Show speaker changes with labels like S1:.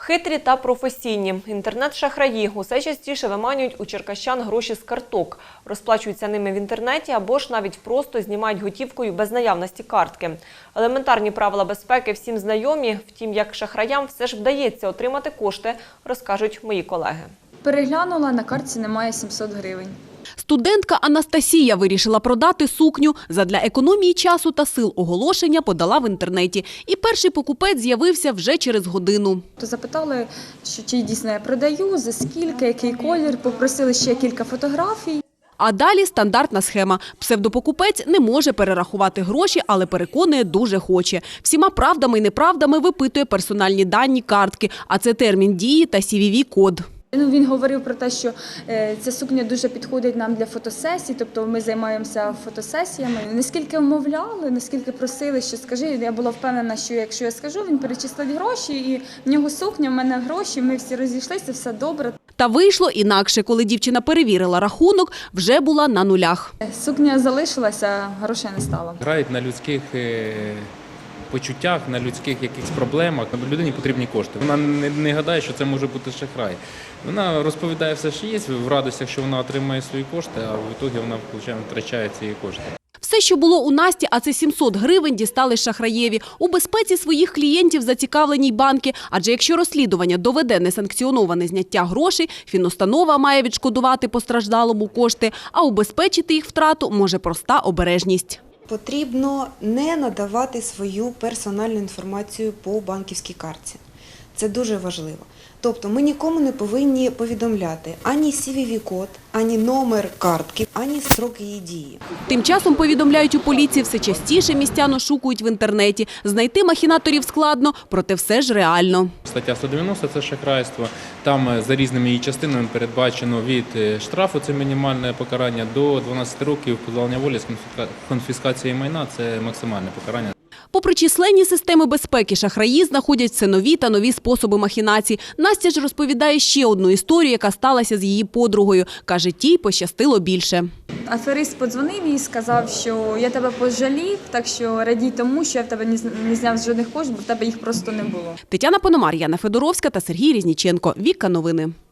S1: Хитрі та професійні. Інтернет-шахраї усе частіше виманюють у черкащан гроші з карток. Розплачуються ними в інтернеті або ж навіть просто знімають готівкою без наявності картки. Елементарні правила безпеки всім знайомі. Втім, як шахраям все ж вдається отримати кошти, розкажуть мої колеги.
S2: Переглянула, на картці немає 700 гривень.
S3: Студентка Анастасія вирішила продати сукню. Задля економії часу та сил оголошення подала в інтернеті. І перший покупець з'явився вже через годину.
S2: Запитали, чи дійсно я продаю, за скільки, який колір, попросили ще кілька фотографій.
S3: А далі стандартна схема. Псевдопокупець не може перерахувати гроші, але переконує, дуже хоче. Всіма правдами і неправдами випитує персональні дані картки, а це термін дії та CVV-код.
S2: Він говорив про те, що ця сукня дуже підходить нам для фотосесій, тобто ми займаємося фотосесіями. Наскільки вмовляли, наскільки просили, що скажи, я була впевнена, що якщо я скажу, він перечислить гроші, і в нього сукня, в мене гроші, ми всі розійшлися, все добре.
S3: Та вийшло інакше. Коли дівчина перевірила рахунок, вже була на нулях.
S2: Сукня залишилася, грошей не стало.
S4: Грають на людських почуттях, на людських якихось проблемах. Людині потрібні кошти. Вона не гадає, що це може бути шахрай. Вона розповідає все, що є, в радостях, що вона отримає свої кошти, а в ітогі вона, виходить, втрачає ці кошти.
S3: Все, що було у Насті, а це 700 гривень, дістали шахраєві. У безпеці своїх клієнтів зацікавлені й банки. Адже якщо розслідування доведе несанкціоноване зняття грошей, фінустанова має відшкодувати постраждалому кошти, а убезпечити їх втрату може проста обережність.
S5: Потрібно не надавати свою персональну інформацію по банківській картці. Це дуже важливо. Тобто ми нікому не повинні повідомляти ані CVV-код, ані номер картки, ані строк її дії.
S3: Тим часом, повідомляють у поліції, все частіше містян ошукують в інтернеті. Знайти махінаторів складно, проте все ж реально.
S4: Стаття 190 – це шахрайство. Там за різними її частинами передбачено від штрафу, це мінімальне покарання, до 12 років позбавлення волі з конфіскацією майна – це максимальне покарання.
S3: Попри численні системи безпеки, шахраї знаходять все нові та нові способи махінацій. Настя ж розповідає ще одну історію, яка сталася з її подругою. Каже, тій пощастило більше.
S2: Аферист подзвонив і сказав, що я тебе пожалів, так що радій тому, що я в тебе не зняв жодних коштів, бо в тебе їх просто не було.
S3: Тетяна Пономар, Яна Федоровська та Сергій Різніченко. Віка новини.